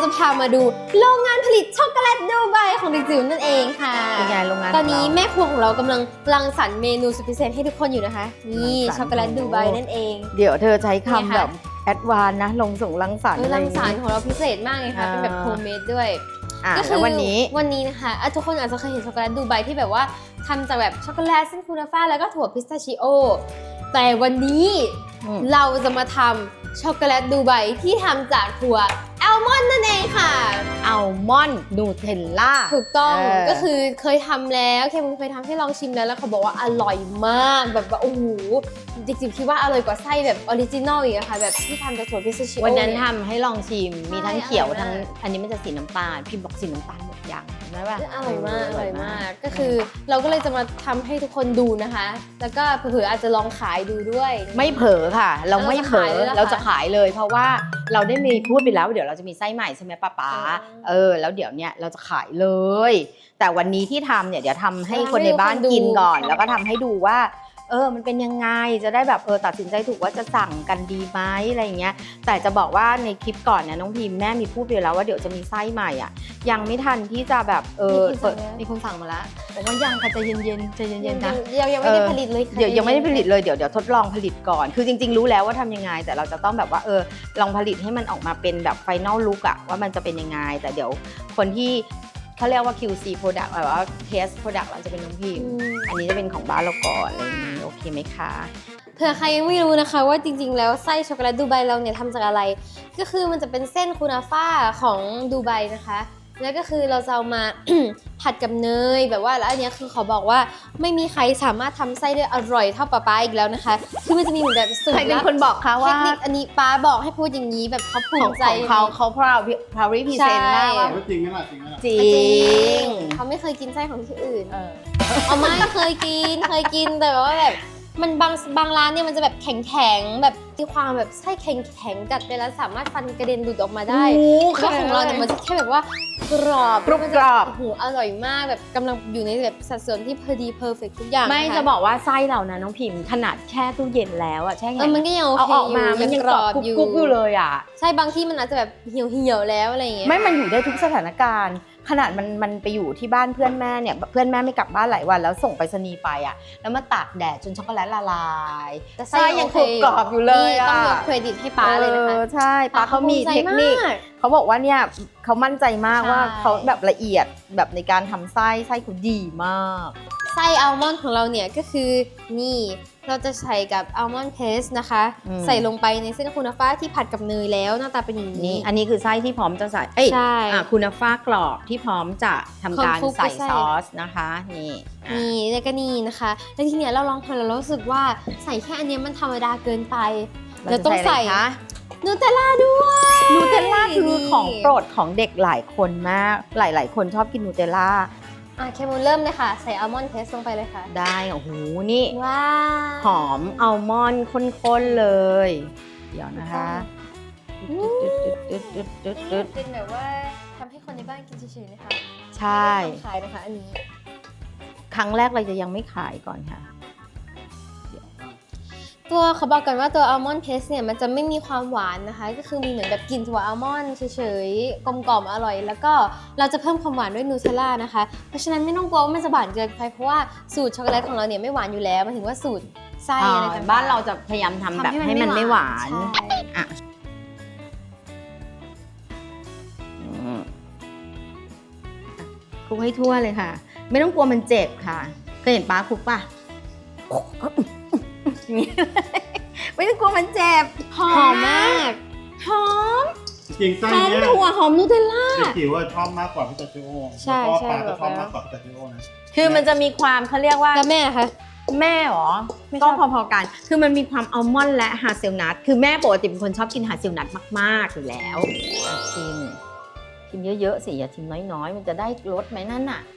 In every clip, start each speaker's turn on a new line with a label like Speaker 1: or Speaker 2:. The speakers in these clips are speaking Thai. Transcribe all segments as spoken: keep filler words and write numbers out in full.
Speaker 1: จะพามาดูโรงงานผลิตช็อกโกแลตดูไบของเด็กจิ๋วนั่นเองค่ะ
Speaker 2: เป็นไงโรงงาน
Speaker 1: ตอนนี้แม่ครัวของเรากำลังรังสรรค์เมนูสุดพิเศษให้ทุกคนอยู่นะคะนี่ช็อกโกแลตดูไบนั่นเอง
Speaker 2: เดี๋ยวเธอใช้คำแบบแอดวานนะลงส่งรังสรรค์
Speaker 1: เออ
Speaker 2: อะไร
Speaker 1: รั
Speaker 2: อง ย่าง
Speaker 1: สรร
Speaker 2: งี้
Speaker 1: ค์ของเราพิเศษมากเลยค่ะเป็นแบบโฮมเมดด้วย
Speaker 2: อ่ะ
Speaker 1: ก็คื
Speaker 2: แล้ววันนี้
Speaker 1: วันนี้นะคะอ่ะทุกคนอาจจะเคยเห็นช็อกโกแลตดูไบที่แบบว่าทำจากแบบช็อกโกแลตเส้นคูนาฟ่าแล้วก็ถั่วพิสตาชิโอแต่วันนี้
Speaker 2: อืม
Speaker 1: เราจะมาทำช็อกโกแลตดูไบที่ทำจากถั่วอัลมอนด์นั่นเองค่ะ
Speaker 2: อัลมอนด์นูเทลล่า
Speaker 1: ถูกต้อง
Speaker 2: เออ
Speaker 1: ก็คือเคยทำแล้วเคมุนเคยทำให้ลองชิมแล้วแล้วเขาบอกว่าอร่อยมากแบบว่าโอ้โหจริงๆคิดว่าอร่อยกว่าไส้แบบออริจินอลอีกอะค่ะแบบที่ทำจากถั่วพิสตาชิโอ
Speaker 2: วันนั้น
Speaker 1: เย
Speaker 2: ทำให้ลองชิมมีทั้ง
Speaker 1: ใช่
Speaker 2: เขียว
Speaker 1: อร่อยมาก
Speaker 2: ทั้งอันนี้มันจะสีน้ำตาลพี่บอกสีน้ำตาลหมดยังใช่ป่ะ
Speaker 1: อร่อยมากอร่อยมากก็คือเราก็เลยจะมาทำให้ทุกคนดูนะคะ แล้วก็เผื่อๆอาจจะลองขายดูด้วย
Speaker 2: ไม่เผลอค่ะ เราไม่เผลอ
Speaker 1: เรา
Speaker 2: เรา
Speaker 1: จะ
Speaker 2: จะ
Speaker 1: ขา
Speaker 2: ขาย ยเลย เพราะว่าเราได้มีพูดไปแล้วเดี๋ยวเราจะมีไส้ใหม่ใช่ไหมป้าป๊า
Speaker 1: อ๋อ
Speaker 2: เออแล้วเดี๋ยวเนี้ยเราจะขายเลย แต่วันนี้ที่ทำเนี่ยเดี๋ยวทำให้
Speaker 1: จะทำ
Speaker 2: คนในบ้าน
Speaker 1: ให้ทุกคนดู
Speaker 2: กินก่อน
Speaker 1: ใช่
Speaker 2: แล้วก็ทำให้ดูว่า เออมันเป็นยังไงจะได้แบบเออตัดสินใจถูกว่าจะสั่งกันดีไหมอะไรอย่างเงี้ยแต่จะบอกว่าในคลิปก่อนเนี่ยน้องพิมแม่มีพูดไปแล้วว่าเดี๋ยวจะมีไส้ใหม่อ่ะยังไม่ทันที่จะแบบเออ
Speaker 1: มีคนสั่งแล้ว
Speaker 2: มีคนสั่งมาแล้วบอกว่ายังค่ะใจเย็นๆใจเย็นๆนะ
Speaker 1: ยังยังไม่ได้ผลิตเลยค่ะ
Speaker 2: เดี๋ยวยังไม่ได้ผลิตเลยเดี๋ยวเดี๋ยวทดลองผลิตก่อน คือจริงๆรู้แล้วว่าทำยังไง แต่เราจะต้องแบบว่าเออลองผลิตให้มันออกมาเป็นแบบไฟนอลลุคอะว่ามันจะเป็นยังไง แต่เดี๋ยวคนที่เขาเรียกว่า คิว ซี product แบบว่า test product เราจะเป็นน้องพิม
Speaker 1: อืม
Speaker 2: อันนี้จะเป็นของบ้านเราก่อนอะไรอย่างนี้โอเคไหมคะ
Speaker 1: เผื่อใครยังไม่รู้นะคะว่าจริงๆแล้วไส้ช็อกโกแลตดูไบเราเนี่ยทำจากอะไร ก็คือมันจะเป็นเส้นคูนาฟ่าของดูไบนะคะ แล้วก็คือเราจะเอามา ผัดกับเนยแบบว่าแล้วอันเนี้ยคือขอบอกว่าไม่มีใครสามารถทำไส้ได้อร่อยเท่าป๊าป๊าอีกแล้วนะคะคือมันจะมีเหมือนแบบสูตร
Speaker 2: ใครเป็น
Speaker 1: ลับ
Speaker 2: คนบอกคะ
Speaker 1: เท
Speaker 2: ว่า
Speaker 1: คนิคอันนี้ป๊าบอกให้พูดอย่างนี้แบบเขาภู
Speaker 2: ของ
Speaker 1: มิใจ
Speaker 2: ของเขาเขา proud proud represent
Speaker 1: ใช่
Speaker 2: ได้ว่า
Speaker 3: ว่าจริงไหมล่ะจริงไหมล่ะ
Speaker 2: จริ
Speaker 1: จริ
Speaker 2: ง
Speaker 1: งเขาไม่เคยกินไส้ของที่อื่น
Speaker 2: เออ
Speaker 1: เอาไม่เคยกินเคยกินแต่ว่าแบบมันบางบางร้านเนี่ยมันจะแบบแข็งแข็งๆแบบมีความแบบไส้แข็งแข็งๆกัดไปแล้วสามารถฟันกระเด็นหลุดออกมาได้
Speaker 2: โอ้
Speaker 1: แล้วของเราเนี่ยมันจะแค่แบบว่ากรอบ
Speaker 2: กรุบ
Speaker 1: มัน
Speaker 2: ก
Speaker 1: จะ
Speaker 2: รอบ
Speaker 1: โอ้โหอร่อยมากแบบกำลังอยู่ในแบบสัดส่วนที่พอดีเพอร์เฟกทุกอย่าง
Speaker 2: ไม่
Speaker 1: นค
Speaker 2: จะบอกว่าไส้เรานะน้องพิมพ์ขนาดแช่ตู้เย็นแล้วอะแช่
Speaker 1: เอ
Speaker 2: แข็
Speaker 1: อง มันก็ยังโอ
Speaker 2: เอา
Speaker 1: เค
Speaker 2: ออกมามันยังกรอบ
Speaker 1: อยู่
Speaker 2: กรุบๆอยู่เลยอะ
Speaker 1: ใช่บางที่มันอาจจะแบบเหี่ยวเหี่ยวๆแล้วอะไรอย่างเงี้ย
Speaker 2: ไม่มันอยู่ได้ทุกสถานการณ์ ขนาดมันมันไปอยู่ที่บ้านเพื่อนแม่เนี่ยเพื่อนแม่ไม่กลับบ้านหลายวันแล้วส่งไปรษณีย์ไปอะแล้วมาตากแดดจนช็อกโกแลตละลาย
Speaker 1: แต่
Speaker 2: ไส้ยังกรุบกรอบอยู่เลย
Speaker 1: นี่
Speaker 2: อะ
Speaker 1: ต้องยกเครดิตให้ป๊าเลยนะคะ
Speaker 2: ออใช่ป้าเขามีเทคนิค
Speaker 1: ภูมิใจมาก
Speaker 2: เขาบอกว่าเนี่ยเขามั่นใจมาก
Speaker 1: ใช่
Speaker 2: ว่าเขาแบบละเอียดแบบในการทำไส้ไส้เขาดีมาก
Speaker 1: ไส้อัลมอนด์ของเราเนี่ยก็คือนี่เราจะใส่กับอัลมอนด์เพสนะคะ
Speaker 2: อืม
Speaker 1: ใส่ลงไปในเส้นคูนาฟ่าที่ผัดกับเนยแล้วหน้าตาเป็นอย่าง
Speaker 2: นี่
Speaker 1: นี้
Speaker 2: อันนี้คือไส้ที่พร้อมจะใส่เอ้ย
Speaker 1: ใช่
Speaker 2: อ่ะคุณฟ้ากรอบที่พร้อมจะทำการ
Speaker 1: คลุกๆ
Speaker 2: ใส่
Speaker 1: ไส้
Speaker 2: ซอสนะคะนี่อ่ะ
Speaker 1: นี่แล้วก็นี่นะคะ แล้วทีเนี้ยเราลองทำแล้วเรารู้สึกว่าใส่แค่อันเนี้ยมันธรรมดาเกินไปเราต้องใส่
Speaker 2: ะไรคะ
Speaker 1: นูเทลล่าด้วย
Speaker 2: นูเทลล่าคือ
Speaker 1: นี่
Speaker 2: ของโปรดของเด็กหลายคนมาก หลาย ๆ คนชอบกินนูเทลล่า
Speaker 1: อ่ะเคมูลเริ่มเลยค่ะใส่อัลมอนด์เพสลงไปเลยค่ะ
Speaker 2: ได้โอ้โหนี่
Speaker 1: ว้าว
Speaker 2: หอมอัลมอนด์ข้น ๆ เลย เดี๋ยวนะคะ
Speaker 1: เป็นแบบว่าทำให้คนในบ้านกินเฉยๆนะคะ
Speaker 2: ใช่
Speaker 1: ไม่ได้ทำขายนะคะอันนี้
Speaker 2: ครั้งแรกเราจะยังไม่ขายก่อนค่ะ
Speaker 1: ตัวเขาบอกกันว่าตัวอัลมอนด์เพสเนี่ยมันจะไม่มีความหวานนะคะ ก็คือมีเหมือนแบบกลิ่นถั่วอัลมอนด์เฉยๆกลมกล่อมอร่อย แล้วก็เราจะเพิ่มความหวานด้วยนูเทลล่านะคะ เพราะฉะนั้นไม่ต้องกลัวว่ามันจะหวานเกินไปเพราะว่าสูตรช็อกโกแลตของเราเนี่ยไม่หวานอยู่แล้วหมายถึงว่าสูตรไส้อะไรต่างๆ
Speaker 2: บ้านเราจะพยายามทำแบบให้มันไม่หวาน
Speaker 1: ใช่
Speaker 2: อ่ะอืมคลุกให้ทั่วเลยค่ะ ไม่ต้องกลัวมันเจ็บค่ะเคยเห็นป้าคลุกป่ะอย่างนี้ไม่ต้องกลัวมันเจ็บ
Speaker 1: หอมมาก
Speaker 2: หอม
Speaker 3: จริงไส้
Speaker 2: หอม
Speaker 3: เนี้ย
Speaker 2: ถั่วหอมนูเทลล่า
Speaker 3: เด็กจิ๋วว่าชอบมากกว่าพิสตาชิโอ
Speaker 1: ใช่
Speaker 3: แล้วก็
Speaker 1: ใช่
Speaker 3: ปลาก็ชอบ
Speaker 1: แบบ
Speaker 3: มากกว่าพิสตาชิโอนะ
Speaker 2: คือมันจะมีความเขาเรียกว่า
Speaker 1: แล้วแม่นะคะ
Speaker 2: แม่หรอ
Speaker 1: ไม่ช
Speaker 2: ก็
Speaker 1: อบ
Speaker 2: พอๆกัน คือมันมีความอัลมอนด์และฮาเซลนัท คือแม่ปกติเป็นคนชอบกินฮาเซลนัทมากๆอยู่แล้วอ่ะชิม ชิมเยอะๆสิอย่าชิมน้อยๆ มันจะได้รสไหมนั่นน่ะ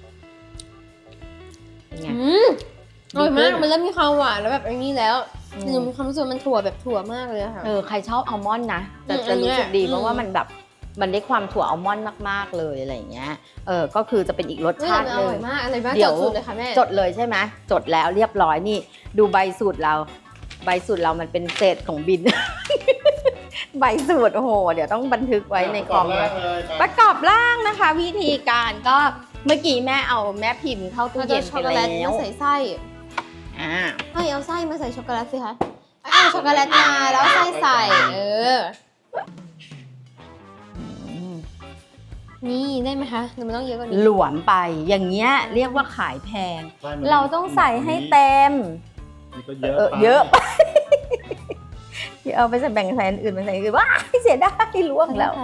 Speaker 2: เป็นไง
Speaker 1: อืมอร่อยมาก
Speaker 2: ดีขึ้น
Speaker 1: มันเริ่มมีความหวานแล้วแบบอันนี้แล้ว
Speaker 2: อืม
Speaker 1: หนูมีความรู้สึกว่ามันถั่วแบบถั่วมากเลยอะค่ะ
Speaker 2: เออใครชอบอัลมอนด์นะจะ
Speaker 1: อืม
Speaker 2: จะรู้สึกดี
Speaker 1: อันเนี้ย
Speaker 2: เพราะว่ามันแบบมันได้ความถั่วอัลมอนด์มากๆเลยอะไรอย่างเงี้ยเออก็คือจะเป็นอีกรส
Speaker 1: เฮ้ย
Speaker 2: ชาติ
Speaker 1: แต่มันอ
Speaker 2: ห
Speaker 1: ร่
Speaker 2: นึ่
Speaker 1: อย
Speaker 2: ง
Speaker 1: มากอร่อยมาก
Speaker 2: เดี๋
Speaker 1: จ
Speaker 2: ยว
Speaker 1: ดสูตรเลยค่ะแม่
Speaker 2: จดเลยใช่ไหมจดแล้วเรียบร้อยนี่ ดูใบสูตรเรา ใบสูตรเรามันเป็นเศษของบินใบสูตรโอ้โหเดี๋ยวต้องบันทึกไว้ในคอม
Speaker 3: แร
Speaker 2: เลย
Speaker 3: กเลย
Speaker 2: ประกอบร่างนะคะ วิธีการก็เมื่อกี้แม่เอาแม่พิมพ์เข้าตู้
Speaker 1: เรา
Speaker 2: เย็
Speaker 1: จะ
Speaker 2: น
Speaker 1: ช็
Speaker 2: ไป
Speaker 1: อกโกแล
Speaker 2: แล้
Speaker 1: ตมาว ใส่ไส้
Speaker 2: อ่า
Speaker 1: ให้เอาไส้มาใส่ช็อกโกแลตสิคะเอาช็อกโกแลตมาแล้วเอาไส้ใส่ เออ นี่ได้ไหมคะหรือมันต้องเยอะกว่านี้
Speaker 2: หลวมไปอย่างเงี้ยเรียกว่าขายแพง
Speaker 3: ใช่มัน
Speaker 2: เราต้องใส่ให้เต็ม
Speaker 3: นี่ก็เยอะ
Speaker 2: เออ
Speaker 3: ไป
Speaker 2: เยอะไปอย่าเอาไปใส่แบ่งใส่อันอื่นไปใส่อันอื่นว้ายเสียดายล่วงแล้ว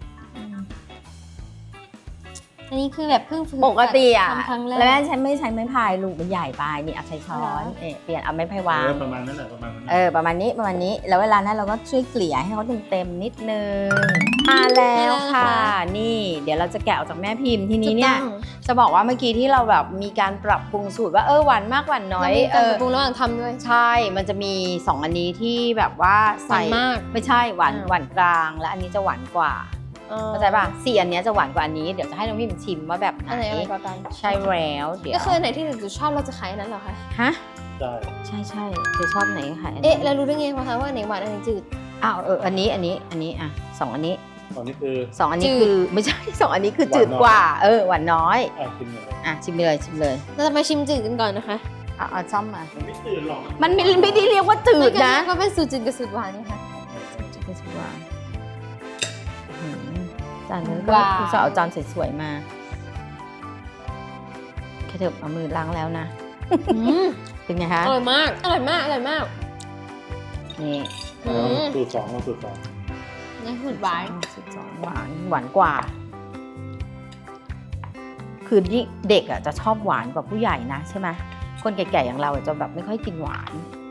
Speaker 1: อันนี้คือแบบเพิ่งฝึก
Speaker 2: ปกติอ่ะ
Speaker 1: ทำครั้งแร
Speaker 2: แล้วแม่
Speaker 1: ก
Speaker 2: ฉันไม่ใช้ไม้พายลูกมันใหญ่ไปนี่เอาใช้ช้อน
Speaker 1: เหรอ
Speaker 2: เอะเปลี่ยนเอาไม้พายวา
Speaker 3: เอง อประมาณนั้นแหละประมาณนั้น
Speaker 2: เออประมาณนี้ประมาณนี้แล้วเวลานั้นเราก็ช่วยเกลี่ยให้เขาเต็มๆนิดนึงมาแล้วค่ะ นี่เดี๋ยวเราจะแกะออกจากแม่พิมพ์ทีนี้เนี่ย
Speaker 1: ถูกต้อง
Speaker 2: จะบอกว่าเมื่อกี้ที่เราแบบมีการปรับปรุงสูตรว่าเออหวานมากหวานน้อย
Speaker 1: เรามี
Speaker 2: เอ
Speaker 1: การป
Speaker 2: อ
Speaker 1: รับปรุงระหว่างทำด้วย
Speaker 2: ใช่มันจะมีสองอันนี้ที่แบบว่าใส่
Speaker 1: หวานมาก
Speaker 2: ไม่ใช่หวาน
Speaker 1: อ่า
Speaker 2: หวานกลางและอันนี้จะหวานกว่าเข้าใจป่ะสี่อันเนี้ยจะหวานกว่าอันนี้เดี๋ยวจะให้น้องพิมชิมว่าแบบไหน
Speaker 1: อันไหนอะไรกว่ากัน
Speaker 2: ใช่แล้วเดี๋ยว
Speaker 1: ก็คืออันไหนที่จุดชอบเราจะขายอันนั้นเหรอคะ
Speaker 2: ฮะ
Speaker 3: ใช่
Speaker 2: ใช่ใช่เธอชอบไหนก็ขายอันนี้
Speaker 1: เอ๊ะแล้วรู้ได้ไงคะว่าอันไหนหวานอันไหนจืด
Speaker 2: อ้าวเอออันนี้อันนี้อันนี้อ่ะสองอันนี้
Speaker 3: ตอนนี้คือ
Speaker 2: สองอันนี้
Speaker 1: จืด
Speaker 2: คือไม่ใช่ สองอันนี้คือ
Speaker 3: หวาน
Speaker 2: จืด
Speaker 3: น้อย
Speaker 2: กว่าเออหวานน้อย
Speaker 3: อ่ะกินเลย
Speaker 2: อ่ะชิมเลยชิมเลย
Speaker 1: เราจะมาชิมจืดกันก่อนนะคะ
Speaker 2: เอาเอาซ่อมมา
Speaker 3: มันไม่ตื่นหรอก
Speaker 2: มันไม่ไม่ได้เรียกว่าจืดนะ
Speaker 1: ก็เป็นสูตรจืดกับสูตรหวานนี่ค่ะ
Speaker 2: จืดกับหวานอื้อหือจานนี้ก็
Speaker 1: ว้าว
Speaker 2: คุณสาวเอาจานสวยๆมาแค่เถอะเอามือล้างแล้วนะ
Speaker 1: อืม
Speaker 2: เป็นไงคะ
Speaker 1: อร่อยมาก อร่อยมาก อร่อยมาก
Speaker 2: นี่
Speaker 1: อืม
Speaker 3: สูตรสองเราสูตรสอง
Speaker 1: นี่สูตรหวาน
Speaker 2: สิบสองหวานหวานกว่า คือยิ่งเด็กอ่ะจะชอบหวานกว่าผู้ใหญ่นะใช่ไหมคนแก่ๆอย่างเราอะจะแบบไม่ค่อยกินหวาน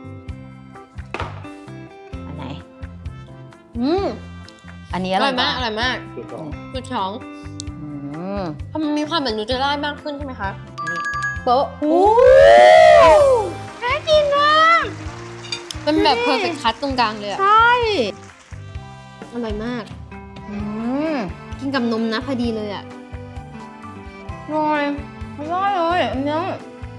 Speaker 2: อันไหน
Speaker 1: อืม
Speaker 2: อันนี้
Speaker 1: อ
Speaker 2: อร่
Speaker 1: ร่
Speaker 2: อ
Speaker 1: อย ย
Speaker 2: ก
Speaker 1: มาก
Speaker 2: ว่า
Speaker 1: อร่อยมาก
Speaker 3: สูตรสอง
Speaker 1: สูตรสอง
Speaker 2: อืม
Speaker 1: เพราะมันมีความเหมือนนูเทลล่ามากขึ้นใช่ไหมคะ
Speaker 2: นี่
Speaker 1: โป๊ะ
Speaker 2: โอ้น่ากินมาก
Speaker 1: เป็นแบบ perfect cut ตรงกลางเลยอะ
Speaker 2: ใช่
Speaker 1: อร่อยมาก
Speaker 2: อืม
Speaker 1: กินกับนมนะพอดีเลยอะ
Speaker 2: อร่อยอร่อยเลยอันเนี้ย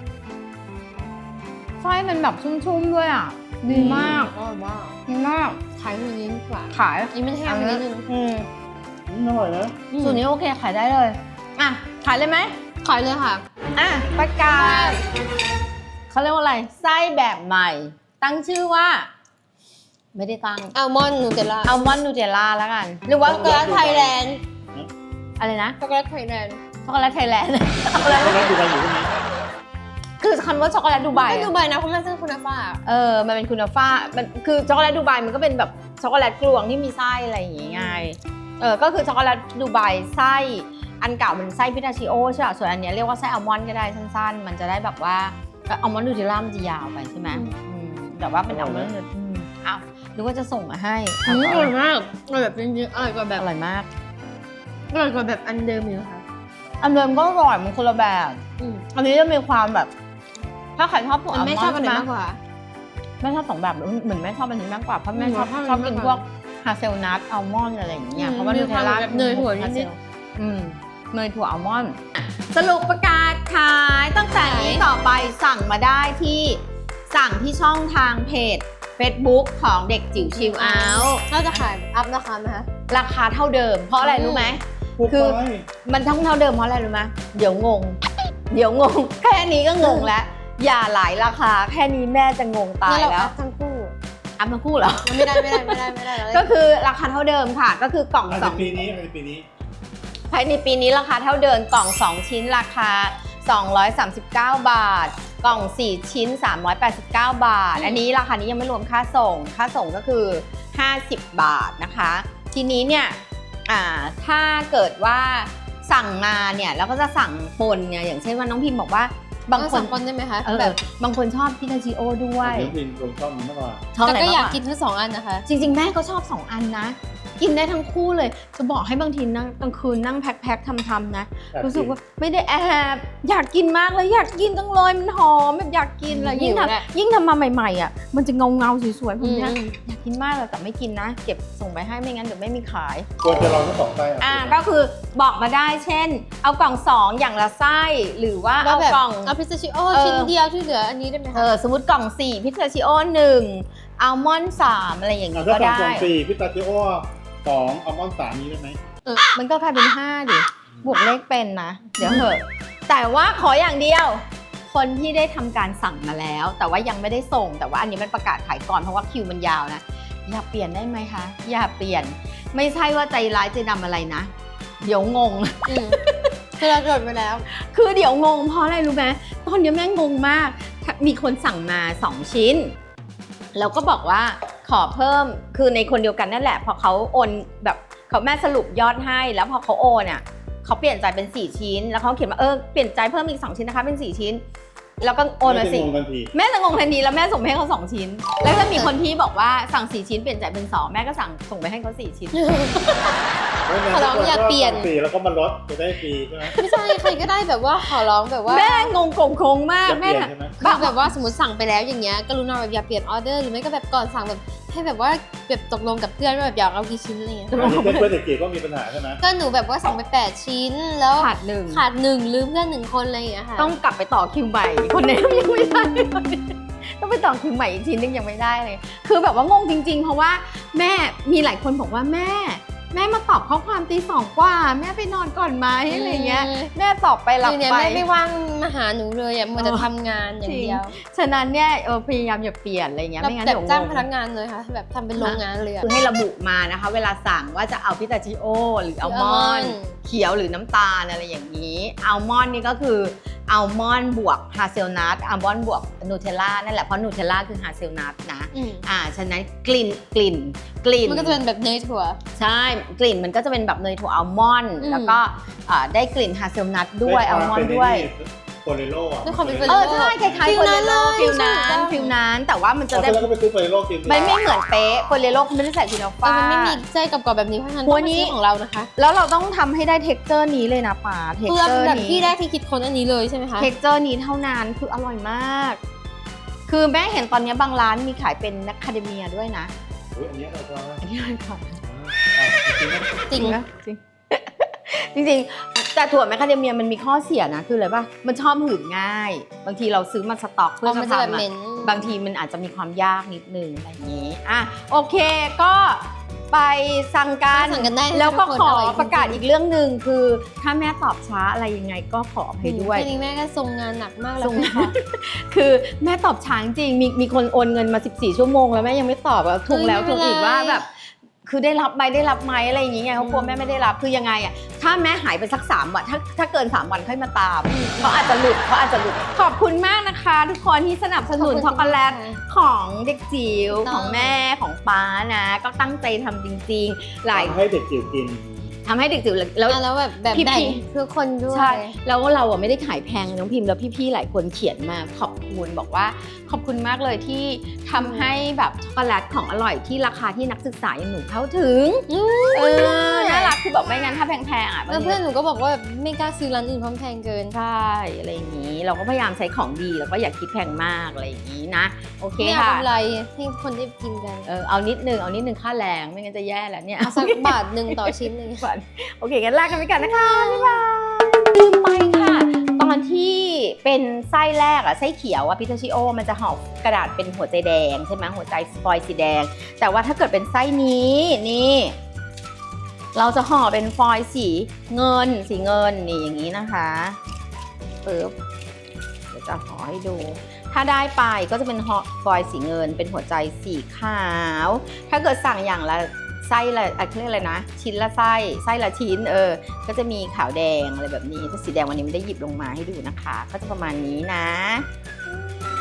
Speaker 2: ไส้มันแบบชุ่มๆด้วยอ่ะ ดีมาก
Speaker 1: อร่อยมาก
Speaker 2: ดีมาก
Speaker 1: ขายคนนี้ดีกว่า
Speaker 2: ขาย
Speaker 1: อันนี้มันแห้งไปนิดนึง
Speaker 2: อืม
Speaker 3: อืมอร่อยนะ
Speaker 2: สูตรนี้โอเคขายได้เลย อ่ะ ขายเลยไหม
Speaker 1: ขายเลยค่ะ
Speaker 2: อ่ะ ประกาศเขาเรียกว่าอะไร ไส้แบบใหม่ ตั้งชื่อว่า ไม่ได้ตั้ง
Speaker 1: อัลมอนด์นูเทลล่า
Speaker 2: อัลมอนด์นูเทลล่าแล้วกัน หรือว่า
Speaker 1: ช็อกโกแลตไทยแลนด์
Speaker 2: อะไรนะ
Speaker 1: ช็อกโกแลตไทยแลนด์
Speaker 2: ช็อกโกแลตไทยแลนด์ ช็อกโกแลต
Speaker 3: แล้วดูกันอยู่ที่นี้
Speaker 2: คือคำว่าช็อกโกแลตดูไบ
Speaker 1: ไม่
Speaker 2: อะ
Speaker 1: ดูใบนะเพราะมันเป็นคุณฟ้า
Speaker 2: เออ มันเป็นคุณฟ้ามันคือช็อกโกแลตดูไบมันก็เป็นแบบช็อกโกแลตกลวงที่มีไส้อะไรอย่างงี้ไง เออ ก็คือช็อกโกแลตดูไบไส้ อันเก่ามันไส้พิทาชิโอใช่ป่ะส่วนอันเนี้ยเรียกว่าไส้อัลมอนด์ก็ได้สั้นๆ มันจะได้แบบว่าอัลมอนด์นูเทลล่ามันจะยาวไปใช่ไหมอืมแต่ว่าเป็นอัลมอนด์นูอืมอ้าวนึกว่าจะส่งมาให้
Speaker 1: อืมอร่อยมากอร่อยแบบจริงๆอร่อยกว่าแบบ
Speaker 2: อร่อยมาก
Speaker 1: อร่อยกว่าแบบอันเดิมอยู่ค่ะ
Speaker 2: อันเดิมก็อร่อยมันคนละแบบ
Speaker 1: อืม
Speaker 2: อันนี้จะมีความแบบ ถ้าใครชอบพวก
Speaker 1: อั
Speaker 2: อัล
Speaker 1: น
Speaker 2: ม
Speaker 1: ไม่
Speaker 2: อน
Speaker 1: ชอบ
Speaker 2: ด์
Speaker 1: อัน
Speaker 2: ใช่
Speaker 1: ไหน
Speaker 2: ไหม
Speaker 1: มากกว่า
Speaker 2: แม่ชอบสองแบบเหมือนแม่ชอบอันนี้มากกว่าเพราะแม่ชอบ
Speaker 1: อืม
Speaker 2: ชอบกิน
Speaker 1: ชอบอันนี้
Speaker 2: พวกฮาเซลนัทอัลมอนด์อะไรอย่างเงี้ย
Speaker 1: อืม
Speaker 2: เพราะว่า
Speaker 1: มี
Speaker 2: นูเทลล่า
Speaker 1: ความแบบเนยถั่วนิดๆ
Speaker 2: ฮาเซลอืมเนยถั่วอัลมอนด์สรุปประกาศขายตั้งแต่นี้ต่อไปสั่งมาได้ที่สั่งที่ช่องทางเพจ Facebook ของเด็กจิ๋วชิลเอาท์
Speaker 1: เราจะขายอัพราคาไหมคะ
Speaker 2: ราคาเท่าเดิม เพราะอะไร
Speaker 1: อืม
Speaker 2: รู้ไหม
Speaker 3: พูด
Speaker 2: คือ
Speaker 3: ไป
Speaker 2: มันทั้งเท่าเดิมเพราะอะไรรู้ไหมเดี๋ยวงง เดี๋ยวงง แค่นี้ก็งงแล้ว อย่าหลายราคาแค่นี้แม่จะงงตาย
Speaker 1: งั้นเรา
Speaker 2: แล้
Speaker 1: อั
Speaker 2: ว
Speaker 1: พทั้งคู่
Speaker 2: อัพมาคู่เหรอ
Speaker 1: ไม่ได้ไม่ได้ไม่ได้ไม่ได้เรา
Speaker 2: ก็คือราคาเท่าเดิมค่ะ ก็คือกล่อง
Speaker 3: ภาย
Speaker 2: ส
Speaker 3: ใน
Speaker 2: อง
Speaker 3: ปีนี้ภายในปีนี้
Speaker 2: ภายในปีนี้ราคาเท่าเดิมกล่อง สอง ชิ้นราคา สองร้อยสามสิบเก้า บาท กล่อง สี่ ชิ้น สามร้อยแปดสิบเก้า บาท อันนี้ราคานี้ยังไม่รวมค่าส่ง ค่าส่งก็คือ ห้าสิบ บาทนะคะ ทีนี้เนี่ยอ่าถ้าเกิดว่าสั่งมาเนี่ยแล้วก็จะสั่งปนเนี่ยอย่างเช่นว่าน้องพิมพ์บอกว่าบางคน
Speaker 1: คนได้ไหมคะ
Speaker 2: เออ
Speaker 1: แบบ
Speaker 2: บางคนชอบพิทาชิโอด้วย
Speaker 3: เดี๋ยวพินลงชอบนี้มากกว่า
Speaker 2: ชอบ
Speaker 1: แต่
Speaker 2: อะไร
Speaker 1: ก็อยาก
Speaker 2: มว่
Speaker 1: กินทั้งสองอันนะคะ
Speaker 2: จริงๆ แม่ก็ชอบสองอันนะ กินได้ทั้งคู่เลย จะบอกให้บางทีนั่งกลางคืนนั่งแพ็คๆทำๆนะ
Speaker 3: แอบกิน
Speaker 2: รู้สึกว่าไม่ได้แอบอยากกินมากเลยอยากกินจังเลยมันหอมแบบอยากกินเลย
Speaker 1: หิว
Speaker 2: ยิ่ง
Speaker 1: แหละ
Speaker 2: ทำยิ่งทำมาใหม่ๆอ่ะมันจะเงาเงาๆสวยๆผมเนี่ย
Speaker 1: อืม
Speaker 2: อยากกินมากเลยแต่ไม่กินนะ เก็บส่งไปให้ไม่งั้นเดี๋ยวไม่มีขาย
Speaker 3: ควรจะลองทั้งสองไส้อ่ะ
Speaker 2: อ่าก็คือบอกมาได้เช่น เอากล่องสองอย่างละไส้หรือว่า
Speaker 1: แล้ว
Speaker 2: เอา
Speaker 1: แบบ
Speaker 2: กล่อง
Speaker 1: เอาพิซซ่าชิโอ
Speaker 2: เออ
Speaker 1: ชิ้นเดียวที่เหลืออันนี้ได้ไหม
Speaker 2: เอ
Speaker 1: คะ
Speaker 2: อสมมติกล่องสี่พิซซ่าชิโอหนึ่งอัลมอนด์สามอะไรอย่าง
Speaker 3: อ่ะ
Speaker 2: นี้
Speaker 3: ถ้า
Speaker 2: ก็
Speaker 3: สั่ง
Speaker 2: ได้
Speaker 3: สองสี่พิสตาชิโอสองอัลมอนด์สามนี้ได้ไหม
Speaker 2: มันก็กลายเป็นห้าดิบวกเลขเป็นนะ เดี๋ยวเหอะแต่ว่าขออย่างเดียว คนที่ได้ทำการสั่งมาแล้ว แต่ว่ายังไม่ได้ส่ง แต่ว่าอันนี้มันประกาศขายก่อนเพราะว่าคิวมันยาวนะอย่าเปลี่ยนได้ไหมคะ อย่าเปลี่ยนไม่ใช่ว่าใจร้ายใจดำอะไรนะ เดี๋ยวงง
Speaker 1: อืมคือเราจดไว้แล้ว
Speaker 2: คือเดี๋ยวงงเพราะอะไรรู้ไหมตอนนี้แม่งงงมาก มีคนสั่งมาสองชิ้น แล้วก็บอกว่าขอเพิ่มคือในคนเดียวกันนั่นแหละพอเขาโอนแบบเขาแม่สรุปยอดให้แล้วพอเขาโอนอ่ะเขาเปลี่ยนใจเป็นสี่ชิ้นแล้วเขาเขียนว่าเออเปลี่ยนใจเพิ่มอีกสองชิ้นนะคะเป็นสี่ชิ้น แล้วก็โอนมาสิ
Speaker 3: ไม่ได้งงทันที
Speaker 2: แม่จะงงทันทีแล้วแม่ส่งไปให้เขาสองชิ้น แล้วก็มีคนที่บอกว่าสั่งสี่ชิ้นเปลี่ยนใจเป็นสองแม่ก็สั่งส่งไปให้เขาสี่ชิ้น
Speaker 1: ขอร้องอย่าเปลี่ยน
Speaker 3: สี่แล้วก็มาลดจะได้ฟรีใช่ไหม
Speaker 1: ไม่ใช่ใครก็ได้แบบว่าขอร้องแบบว่า
Speaker 2: แม่งงโกงโคงมาก
Speaker 3: จะเป
Speaker 2: แม่
Speaker 3: ลี่ยน
Speaker 2: น่ะ
Speaker 3: ใช่ไหม
Speaker 1: คือแบบว่าสมมติสั่งไปแล้วอย่างเงี้ยกรุณาแบบอย่าเปลี่ยนออเดอร์หรือไม่ก็แบบก่อนสั่งแบบให้แบบว่าแบบตกลงกับเพื่อนว่าแบบอยากเอากี่ชิ้นอะไรเงี้ย
Speaker 3: อันนี้เพื่อนเด็กเกียก็มีปัญหาใช่ไหม
Speaker 1: ก็หนูแบบว่าสั่งไปแปดชิ้นแล้ว
Speaker 2: ขาดหนึ่ง
Speaker 1: ขาดหนึ่งลืมเพื่อนหนึ่งคนอะไรอย่างเงี้ยค่ะ
Speaker 2: ต้องกลับไปต่อคิวใหม่ คนนี้ยังไม่ได้ต้องไปต่อคิวใหม่อีกทีนึงยังไม่ได้เลย คือแบบว่างงจริง ๆ เพราะว่าแม่มีหลายคนบอกว่าแม่ แม่มาตอบข้อความตีสองกว่า แม่ไปนอนก่อนไหมอะไรเงี้ยแม่ตอบไปหลับ
Speaker 1: คือเนี่ย
Speaker 2: ไป
Speaker 1: แม่ไม่ว่างมาหาหนูเลยอ่ะมัวแต่ทำงานอย่างเดียว
Speaker 2: ฉะนั้นเนี่ยเออพยายามอย่าเปลี่ยนอะไรเงี้ย
Speaker 1: แล้ว
Speaker 2: ไม่งั้น
Speaker 1: แบบ
Speaker 2: เดี๋ยว
Speaker 1: จ้าง
Speaker 2: ง
Speaker 1: พนักงานเลยค่ะแบบทำเป็นโรงงานเลยอะ
Speaker 2: คือให้ระบุมานะคะ เวลาสั่งว่าจะเอาพิตาชิโอหรืออัลมอนด์
Speaker 1: หรืออัลมอนด์
Speaker 2: เขียวหรือน้ำตาลอะไรอย่างนี้อัลมอนด์นี่ก็คืออัลมอนด์บวกฮาเซลนัทอัลมอนด์บวกนูเทลล่านั่นแหละเพราะนูเทลล่าคือฮาเซลนัทนะ
Speaker 1: อืม
Speaker 2: อ่าฉะนั้นกลิ่นกลิ่นกลิ่น
Speaker 1: มันก็จะเป็นแบบเนยถั่ว
Speaker 2: ใช่กลิ่นมันก็จะเป็นแบบเนยถั่วอัลมอนด์
Speaker 1: อืม
Speaker 2: แล้วก็อ่าได้กลิ่นฮาเซลนัทด้วยอัลมอนด์ด้วย
Speaker 3: โฟเรโล่อะ
Speaker 1: ด้วยความเป็น
Speaker 2: เออใช่คล้ายๆ
Speaker 1: ฟิ
Speaker 2: โฟ
Speaker 1: ล
Speaker 2: เล
Speaker 1: นั้น
Speaker 2: โล
Speaker 1: เลย
Speaker 2: ฟิลนั้น
Speaker 1: ใช่
Speaker 2: ฟิลนั้นแต่ว่ามันจะ
Speaker 3: เอา
Speaker 2: ได้
Speaker 3: แล้วก็ไปซื้อโฟเรโล่กิน
Speaker 2: ไม่ไม่เหมือนเป๊ะโฟเลโลเขาไม่ได้ใส่ฟิโน
Speaker 1: เออ
Speaker 2: ฟ้า
Speaker 1: มันไม่มีไส้กรอบๆแบบนี้เพราะฉะนั้น
Speaker 2: หั
Speaker 1: ต้
Speaker 2: ว
Speaker 1: อง
Speaker 2: นี้
Speaker 1: มาซื้อของเรานะคะ
Speaker 2: แล้วเราต้องทำให้ได้เท็กเจอร์นี้เลยนะป๋าเท็ก
Speaker 1: คือ
Speaker 2: เจอร์
Speaker 1: แบบ
Speaker 2: นี้
Speaker 1: ที่แรกที่คิดค้นอันนี้เลยใช่ไหมคะ
Speaker 2: เท็กเจอร์นี้เท่านั้นคืออร่อยมาก คือแม่เห็นตอนนี้บางร้านมีขายเป็นนักคาเดเมียด้วยนะ
Speaker 3: อุ๊ยอันนี้เราก็
Speaker 2: อันนี้เลยค่ะ
Speaker 3: อ่าจริงๆนะ
Speaker 1: จริง
Speaker 2: นะจริง จริงๆแต่ถั่วแมคคาเดเมียมันมีข้อเสียนะคืออะไรป่ะมันชอบหืดง่าย บางทีเราซื้อมาสต็อกเพื่อ
Speaker 1: เอา
Speaker 2: จะ
Speaker 1: มันจะแบบ
Speaker 2: ทำ
Speaker 1: เหม็
Speaker 2: อะ
Speaker 1: น
Speaker 2: บางทีมันอาจจะมีความยากนิดนึงอะไรอย่างนี้อ่ะโอเคก็ไปสั่งกัน
Speaker 1: สั่งกันได้นะคะ
Speaker 2: แล้วก็
Speaker 1: ทุกคน
Speaker 2: ขอ
Speaker 1: อร่อยจริงๆ
Speaker 2: ประกาศอีกเรื่องหนึ่งคือ ถ้าแม่ตอบช้าอะไรยังไงก็ขออภัยด้วย
Speaker 1: แค่นี้แม่ก็ทรงงานหนักมากแล้
Speaker 2: ส่
Speaker 1: ว
Speaker 2: ง
Speaker 1: ค่ะ
Speaker 2: คือแม่ตอบช้าจริงมีมีคนโอนเงินมาสิบสี่ชั่วโมงแล้วแม่ยังไม่ตอบอะถูกแล้ว
Speaker 1: เฮ้
Speaker 2: ถู
Speaker 1: ย
Speaker 2: ก
Speaker 1: ไม่เป็นไร
Speaker 2: อีกว่าแบบ คือได้รับไหมได้รับไหมอะไรอย่างเงี้ยเขากลัวแม่ไม่ได้รับคือยังไงอะถ้าแม่หายไปสักสามวันถ้าถ้าเกินสามวันค่อยมาตามเขาอาจจะหลุดเขาอาจจะหลุดขอบคุณมากนะคะ ทุกคนที่สนับสนุนช็อกโกแลตของเด็กจิ๋ว
Speaker 1: ถูกต้อง
Speaker 2: ของแม่ของป้านะ ก็ตั้งใจทำจริงๆ หลาย
Speaker 3: ให้เด็กจิ๋วกิน
Speaker 2: ทำให้เด็กจิ๋วแล้ว
Speaker 1: อ่ะแล้วแบบแบบ
Speaker 2: พี่
Speaker 1: แบ่ง
Speaker 2: พี่
Speaker 1: ทุกคนด้วย
Speaker 2: ใช่แล้วเราอ่ะไม่ได้ขายแพงน้องพิมพ์แล้วพี่ๆหลายคนเขียนมาขอบคุณบอกว่าขอบคุณมากเลยที่ทำให้แบบช็อกโกแลตของอร่อยที่ราคาที่นักศึกษาอย่างหนูเข้าถึง
Speaker 1: อืม
Speaker 2: เออน่ารักคือแบบไม่งั้นถ้าแพงๆอ่ะ
Speaker 1: แล้วเพื่อนหนูก็บอกว่าแบบไม่กล้าซื้อร้านอื่นเพราะมันแพงเกิน
Speaker 2: ใช่อะไรอย่างนี้ เราก็พยายามใช้ของดีแล้วก็อย่าคิดแพงมากอะไรอย่างนี้นะโอเค
Speaker 1: ไม่เอา
Speaker 2: ค่ะ
Speaker 1: กำไรให้คนได้กินกัน
Speaker 2: เออเอานิดนึงเอานิดนึงค่าแรงไม่งั้นจะแย่แล้วเนี่ย
Speaker 1: เอาสักบาทหนึ่งต่อชิ้นหนึ่ง
Speaker 2: โอเคกันลากันไปก่อนนะคะบ๊ายบายลืมไปค่ะ ตอนที่เป็นไส้แรกอะไส้เขียวอะพิทาชิโอมันจะห่อกระดาษเป็นหัวใจแดงใช่ไหมหัวใจสปอยล์สีแดง แต่ว่าถ้าเกิดเป็นไส้นี้นี่ เราจะห่อเป็นฟอยล์สีเงินสีเงินนี่อย่างนี้นะคะปึ๊บเดี๋ยวจะห่อให้ดู ถ้าได้ไปก็จะเป็นห่อฟอยล์สีเงิน เป็นหัวใจสีขาว ถ้าเกิดสั่งอย่างละไส้ละอะไรเรียกอะไรนะชิ้นละไส้ไส้ละชิ้นเออก็จะมีขาวแดงอะไรแบบนี้ถ้าสีแดงวันนี้ไม่ได้หยิบลงมาให้ดูนะคะ ก็จะประมาณนี้นะ